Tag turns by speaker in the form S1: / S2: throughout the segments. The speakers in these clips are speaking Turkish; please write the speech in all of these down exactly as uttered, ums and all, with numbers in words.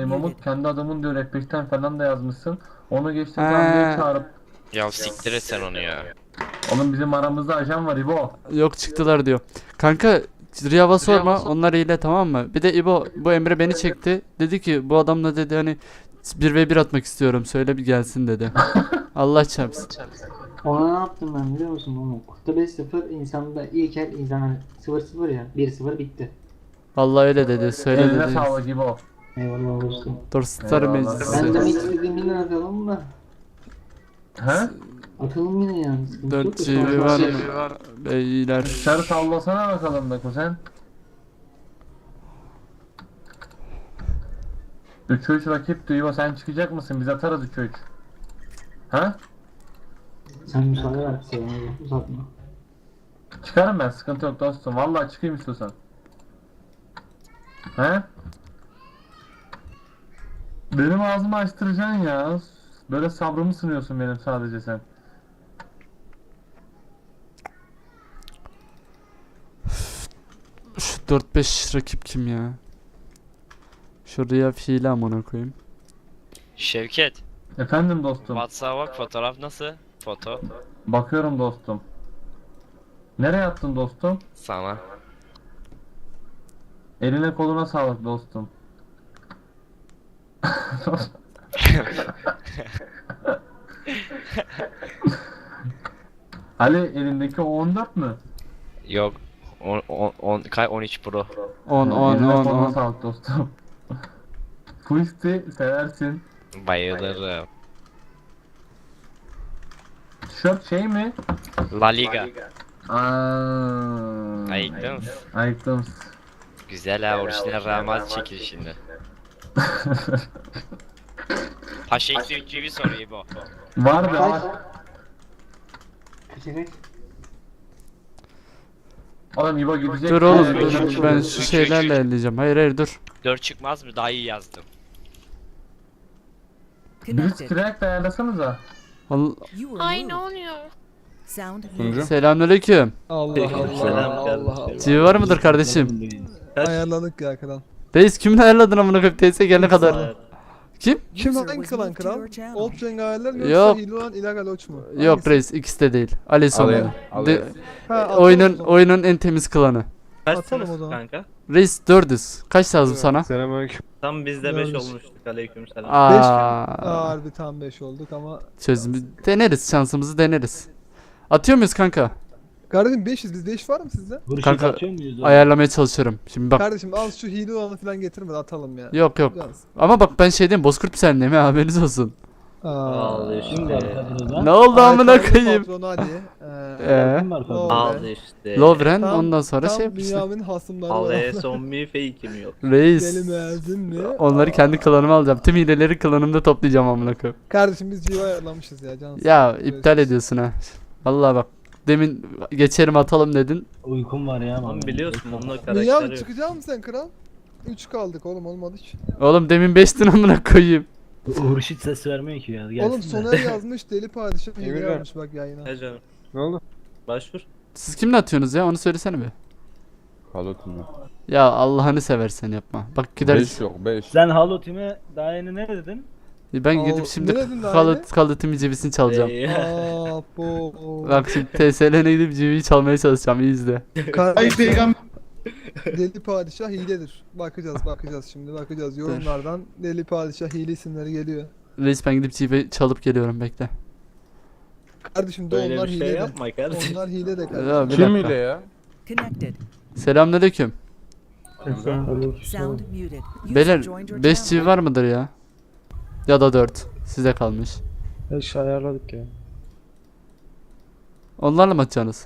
S1: Mamut kendi adamın diyor, F falan da yazmışsın. Onu geçtim tam diye çağırıp.
S2: Ya siktir et sen onu ya.
S1: Oğlum bizim aramızda ajan var İbo.
S3: Yok çıktılar diyor. Kanka Riyava sorma, onlar hile, tamam mı? Bir de İbo, bu Emre beni çekti. Dedi ki bu adamla dedi hani bir ve bir atmak istiyorum, söyle bir gelsin dedi. Allah çarpsın.
S4: Ona ne yaptım ben biliyor musun Mamo? Kurtta beş sıfır, insanda ilk el insan hani sıfır sıfır ya, bir sıfır bitti.
S3: Vallahi öyle dedi, söyle
S1: Eline
S3: dedi.
S1: sağlık İbo.
S4: Eyvallah dostum.
S3: Dur starım
S1: Eyvallah.
S3: meclisi.
S4: Ben de hiç istediğim yine atalım da.
S1: He?
S4: Atalım yine yani. Sıkıntı yok
S3: dört
S4: da
S3: G
S4: şu an
S3: B var
S4: şey-
S3: beyler.
S1: Dışarı sallasana bakalım da kuzen. üçe üç rakip İbo, sen çıkacak mısın? Biz atarız üçe üç. Ha?
S4: Sen müsaade ver bize yani, uzatma.
S1: Çıkarım ben, sıkıntı yok dostum. Vallahi çıkayım istiyorsan. He? Benim ağzımı açtıracaksın ya. Böyle sabrımı sınıyorsun benim sadece sen.
S3: Şu dört beş rakip kim ya? Şuraya fiile amına koyayım.
S2: Şevket,
S1: Efendim dostum.
S2: WhatsApp'a bak, fotoğraf nasıl? Foto
S1: Bakıyorum dostum. Nereye attın dostum?
S2: sana.
S1: Eline koluna sağlık dostum. Ali, elindeki o on dört mü?
S2: Yok. on, on, on, kay on üç Pro.
S3: on on
S1: Eline
S3: on
S1: koluna
S3: on.
S1: sağlık dostum. Twisty seversin.
S2: Bayılırım.
S1: Tişört şey mi?
S2: La Liga.
S1: Aaa.
S2: Ayıktın.
S1: Ayıktım.
S2: Güzel ha, orijinal Ramaz çekil şimdi. Paşa eksi üç G B soruyor bu.
S1: Var be var.
S4: Kaça kaç?
S1: Oğlum İbo gidecek.
S3: Dur oğlum,
S1: Ee,
S3: dur, ben şu şeylerle elleyeceğim. Hayır hayır dur.
S2: dört çıkmaz mı? Daha iyi yazdım.
S1: Biz crack de ayarlasanıza.
S3: Val-
S5: Ay ne oluyor?
S6: Sound
S7: Sunucu.
S3: Selamünaleyküm.
S7: Allah Allah.
S8: Selam
S7: Allah
S8: kardeşim.
S3: Civi var mıdır kardeşim?
S7: Ayarladık ya kral.
S3: Reis kimle ayarladın amına koyayım, teyze gelene kadar. Kim?
S7: Kim
S6: User
S7: hangi
S6: was
S7: klan
S6: moved to
S7: kral?
S6: your channel.
S7: Old Cenk ayarlar mı
S3: Yok.
S7: yoksa hile olan illegal oç mu?
S3: Yok
S7: Hangisi?
S3: reis, ikisi de değil. Ali sonunda.
S8: Alayım,
S3: De-
S8: alayım.
S7: Ha, atalım o
S3: oyunun
S7: zaman.
S3: oyunun en temiz klanı.
S7: Atalım o zaman.
S8: Kanka?
S3: Reis dördüz. Kaç lazım sana?
S7: Selamünaleyküm.
S8: Tam bizde beş
S7: Görmüş.
S8: olmuştuk. Aleykümselam.
S3: Aa,
S7: Aa, harbi tam beş olduk ama.
S3: çözümü deneriz, şansımızı deneriz. Atıyor muyuz kanka?
S7: Kardeşim beşiz, bizde iş var mı sizde?
S3: Kanka ayarlamaya çalışıyorum. Şimdi bak.
S7: Kardeşim al şu hile olanı falan getirme de atalım ya.
S3: Yok yok.
S7: Yalnız.
S3: Ama bak ben şey diyeyim, Bozkurt Sen'deyim ha, haberiniz olsun.
S7: Aa.
S8: Al işte.
S3: Ne oldu amına
S7: Aykan'ın
S3: koyayım?
S7: patronu Ali.
S3: Ee,
S7: Ee,
S8: Al
S7: Lovren.
S8: işte.
S3: Lovren
S7: Tam-
S3: ondan sonra
S7: Tam
S3: şey yapmışlar.
S7: dünyanın hasımları
S8: Al
S7: var.
S8: e son mi fake'im yok.
S7: Deli
S3: Reis.
S7: mezun mi?
S3: Onları kendi klanıma alacağım. Tüm hileleri klanımda toplayacağım amına koyayım.
S7: Kardeşim biz civa ayarlamışız ya cansın.
S3: Ya iptal ediyorsun ha. Vallahi bak. Demin geçerim atalım dedin.
S9: Uykum var ya.
S8: Oğlum biliyorsun onun
S7: Niye
S8: karakteri
S7: abi
S8: yok.
S7: çıkacak mısın sen kral? üç kaldık oğlum olmadı hiç.
S3: Oğlum demin beştin amına koyayım.
S9: Hurşit ses vermiyor ki ya. Gelsin
S7: Oğlum
S9: de.
S7: Soner yazmış deli padişah hile
S8: Emirhan.
S7: yazmış bak yayına.
S8: He canım.
S7: Ne oldu?
S8: Başvur.
S3: Siz kimle atıyorsunuz ya? Onu söylesene bir.
S7: Kalotun mu?
S3: Ya Allah'ını seversen yapma. Bak gideriz.
S7: yok beş.
S9: Sen Halo Team'e daha yeni ne dedin?
S3: Ben
S7: Aa,
S3: gidip şimdi
S7: ne dedin daha
S3: kalıt kalıtımı cebisini çalacağım.
S8: Ee,
S7: Aaa bu.
S3: Bak şimdi T S L'ne gidip cibiyi çalmaya çalışacağım. İyi izle.
S7: Kardeşim. Deli padişah hiledir. Bakacağız bakacağız şimdi bakacağız. Yorumlardan deli padişah hile isimleri geliyor.
S3: Reis ben gidip cibi çalıp geliyorum, bekle.
S7: Kardeşim de
S8: Böyle
S7: onlar
S8: bir
S7: hile
S8: şey
S7: de.
S8: yapma kardeşim.
S7: Onlar hile de
S3: Ya,
S7: kardeşim.
S3: bir
S7: Kim
S3: dakika.
S7: ya?
S6: Connected.
S3: Selamünaleyküm.
S6: Sound muted. User
S3: Beyler
S6: joined your
S3: beş
S6: channel.
S3: cibi var mıdır ya? Ya da dört. Size kalmış.
S9: beş ayarladık ya.
S3: Onlarla mı atacaksınız?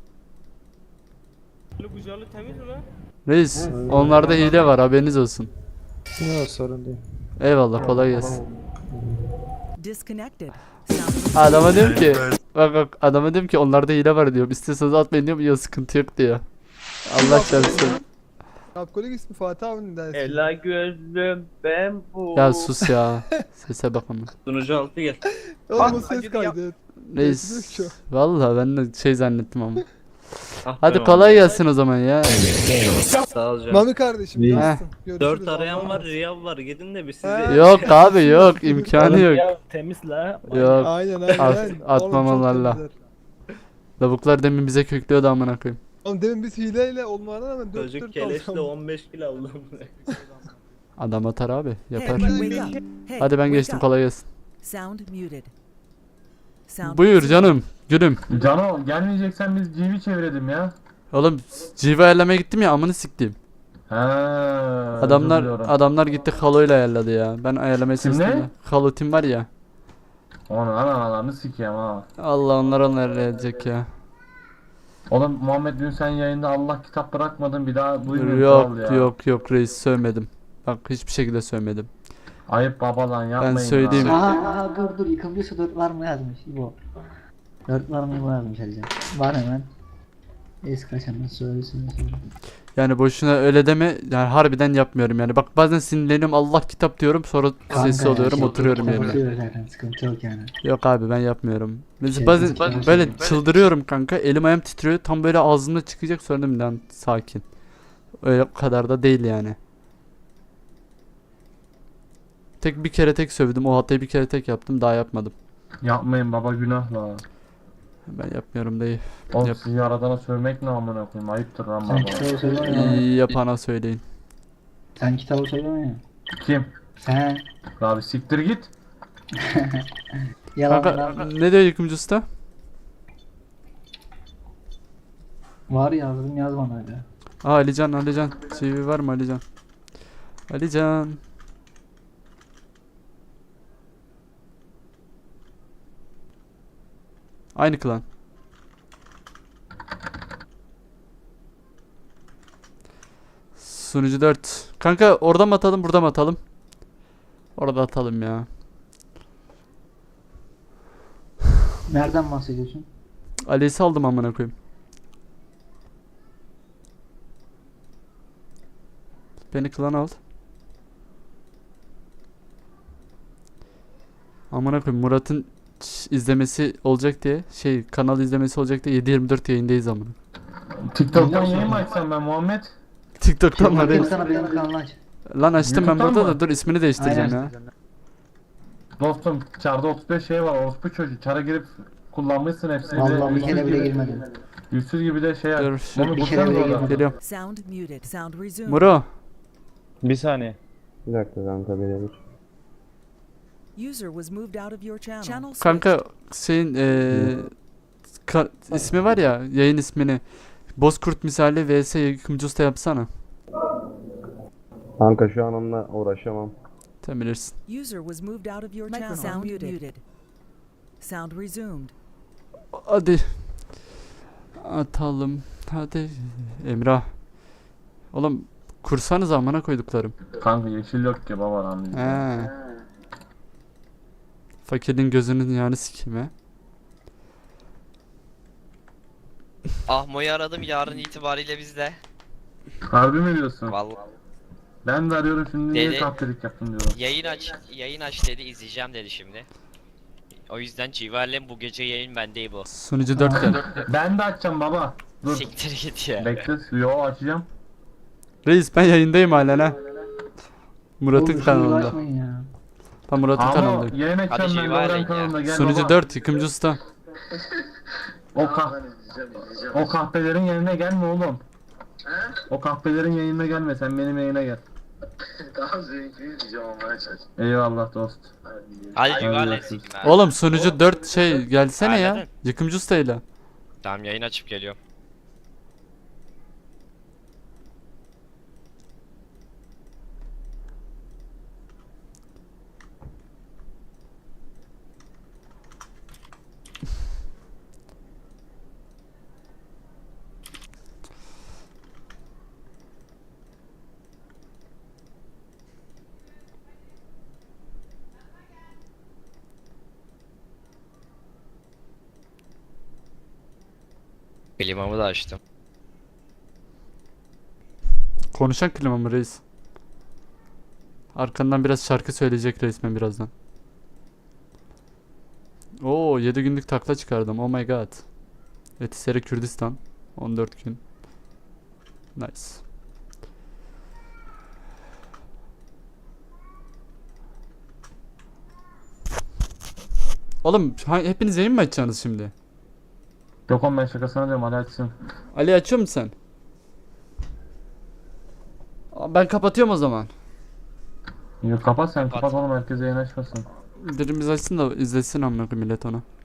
S3: Reis, onlarda hile var, haberiniz olsun.
S9: Yok sorun değil.
S3: Eyvallah, kolay gelsin.
S6: Disconnected. Sound
S3: Adama diyorum ki, bak bak adama diyorum ki onlarda hile var diyorum. İstiyorsanız atmayın diyorum, ya sıkıntı yok diyor. Allah çarpsın.
S7: Alkolik ismi Fatih abinin dersi.
S8: Ela gözlüm ben bu.
S3: Ya sus ya. Sese bak ama.
S8: Sunucu altı gel.
S7: Oğlum o ses kaydı.
S3: Reis, vallahi ben de şey zannettim ama.
S8: Ah,
S3: Hadi
S8: tamam.
S3: kolay gelsin o zaman ya.
S8: Sağ ol canım.
S7: Mami kardeşim
S9: İyi.
S7: cansın. Görüşürüz.
S8: Dört arayan
S7: Allah'a
S8: var,
S7: emanet.
S8: Riyal var. Gidin de bir sizi.
S7: He.
S3: Yok abi yok imkanı yok.
S9: Ya temiz la.
S3: Yok.
S7: Aynen aynen.
S3: At-
S7: aynen.
S3: atmamalarla.
S7: Oğlum çok temizler.
S3: Lavuklar demin bize köklüyordu amına koyayım.
S7: Oğlum demin biz hileyle olmadan hemen dört
S8: Çocuk
S7: dört
S8: keleşle
S7: aldım.
S8: on beş kilo aldım.
S3: Adam atar abi
S6: Hey,
S3: yapar.
S6: wake up. Hey,
S3: Hadi ben
S6: wake
S3: geçtim
S6: up.
S3: kolay gelsin.
S6: Sound muted. Sound
S3: Buyur
S6: resumed.
S3: canım gülüm.
S1: Cano gelmeyeceksen biz G V çevirelim ya.
S3: Oğlum civa ayarlamaya gittim ya amını siktim.
S1: He.
S3: Adamlar
S1: özür diliyorum.
S3: adamlar gitti Halo'yla ayarladı ya. Ben ayarlamaya
S1: Kim
S3: çalıştım
S1: ne?
S3: da. Halo Team var ya.
S1: Onu analarını sikeyim ha.
S3: Allah onlar onlar ayarlayacak ya.
S1: Oğlum Muhammed dün sen yayında Allah kitap bırakmadın bir daha duymuyorum
S3: Yok
S1: kral ya.
S3: yok yok reis sövmedim. Bak hiçbir şekilde sövmedim.
S1: Ayıp baba lan yapmayın.
S3: söyleyeyim.
S1: ya.
S4: Aha, aha dur dur yıkımcısı dört var mı yazmış İbo. dört var mı İbo yazmış Alican. Var hemen. Es kaçanlar söylesin.
S3: Yani boşuna öyle deme. Yani harbiden yapmıyorum yani. Bak bazen sinirleniyorum Allah kitap diyorum sonra sessiz oluyorum oturuyorum yerine.
S4: Zaten sıkıntı yok yani.
S3: Yok abi ben yapmıyorum. Mesela
S4: Şey,
S3: bazen
S4: bazen-
S3: böyle çıldırıyorum kanka. Elim ayağım titriyor. Tam böyle ağzımda çıkacak sonra dedim lan sakin. Öyle kadar da değil yani. Tek bir kere tek sövdüm. O hatayı bir kere tek yaptım. Daha yapmadım.
S1: Yapmayın baba günah la.
S3: Ben yapmıyorum dayı.
S1: Oğlum
S3: Yap.
S1: sizi aradana sövmek ne amına koyayım ayıptır lan
S4: Sen
S1: baba.
S4: kitabı söyleme ya.
S3: İyi yapana söyleyin.
S4: Sen kitabı söyleme ya.
S1: Kim?
S4: Sen
S1: Abi siktir git.
S4: yalan
S3: Kanka ne diyor yıkımcı usta?
S4: var yazdım yaz bana öyle.
S3: Aa Alican Alican. C V var mı Alican? Alican. Aynı klan. Sunucu dört. Kanka orada mı atalım burada mı atalım? Orada atalım ya.
S4: Nereden bahsediyorsun?
S3: Ali'yi saldım amına koyayım. Beni klan al. Amına koyayım Murat'ın ş- izlemesi olacak diye şey kanal izlemesi olacak diye yedi yirmi dört yayındayız amına.
S1: TikTok'tan yayın mı açsam ben Muhammed?
S3: TikTok'tan var
S4: Bakayım
S3: reis.
S4: sana benim kanalı aç.
S3: Lan açtım ben
S1: YouTube'dan
S3: burada da
S1: mı?
S3: dur ismini değiştireceğim
S4: Aynen.
S3: ya.
S1: Dostum çarda otuz beş şey var orospu çocuğu. Çara girip kullanmışsın hepsini.
S4: Vallahi bir
S1: Yüzsüz
S4: kere bile
S1: gibi-
S4: girmedim.
S1: Yüzsüz gibi de şey
S3: Dur,
S1: aç.
S3: şu-
S1: Onu
S4: Bir kere
S1: bulsanız
S4: bile
S1: orada.
S4: girmedim.
S3: Geliyorum.
S6: Sound muted. Sound resumed.
S3: Muro.
S9: Bir saniye.
S5: Bir dakika kanka birebir.
S6: User was moved out of your channel. Channel switched.
S3: Kanka şeyin eee ka- ismi var ya yayın ismini Bozkurt misali vs yıkımcı usta yapsana.
S5: Kanka şu an onunla uğraşamam.
S3: Sen bilirsin.
S6: User was moved out of your channel. Sound muted. Sound resumed.
S3: Hadi. Atalım. Hadi. Emrah. Oğlum kursanız amına koyduklarım.
S1: Kanka yeşil yok ki baba lan bizde.
S3: He. Fakirin gözünün yani sikeyim he.
S2: Ahmo'yu aradım yarın itibariyle bizde.
S1: Harbi mi diyorsun?
S2: Vallahi
S1: Ben de arıyorum şimdi niye
S2: Deli.
S1: kahpelik yaptın diyorum.
S2: yayın aç yayın aç dedi izleyeceğim dedi şimdi. O yüzden Civer'le bu gece yayın bende bu.
S3: Sunucu dört gel.
S1: Ben de açacağım baba. Dur.
S2: Siktir git ya.
S1: Bekle. Yo açacağım.
S3: Reis ben yayındayım halen ha. Murat'ın
S4: Oğlum, şunu
S3: kanalında.
S4: uğraşmayın ya.
S3: Tam Murat'ın
S1: Ama
S3: kanalındayım.
S1: yayın açacağım
S2: Hadi
S1: ben
S2: Civa
S1: Doğran
S2: ya.
S1: kanalında gel
S3: Sunucu
S1: baba.
S3: dört yıkımcı usta.
S1: O kah O kahpelerin yayına gelme oğlum. O kahpelerin yayınına gelme sen benim yayına gel.
S5: Daha zevkli diyeceğim ama aç aç.
S1: Eyvallah dost.
S2: Hadi
S1: Hadi
S2: Civer'le
S1: görüşürüz.
S2: sikim ha.
S3: Oğlum sunucu dört şey gelsene ya.
S2: Aynen.
S3: Yıkımcı ustayla.
S2: Tamam yayın açıp geliyorum. Klimamı da açtım.
S3: Konuşan klima mı reis? Arkandan biraz şarkı söyleyecek resmen birazdan. Oo yedi günlük takla çıkardım. Oh my god. Etiseri Kürdistan. on dört gün. Nice. Oğlum ha- hepiniz yayın mı açacaksınız şimdi?
S1: Yok oğlum ben şakasına diyorum hadi açsın.
S3: Ali açıyor musun sen? Aa, ben kapatıyorum o zaman.
S1: Yok kapat sen
S2: Kapat.
S1: kapat oğlum herkes yayın açmasın.
S3: Birimiz açsın da izlesin amına koyayım millet onu.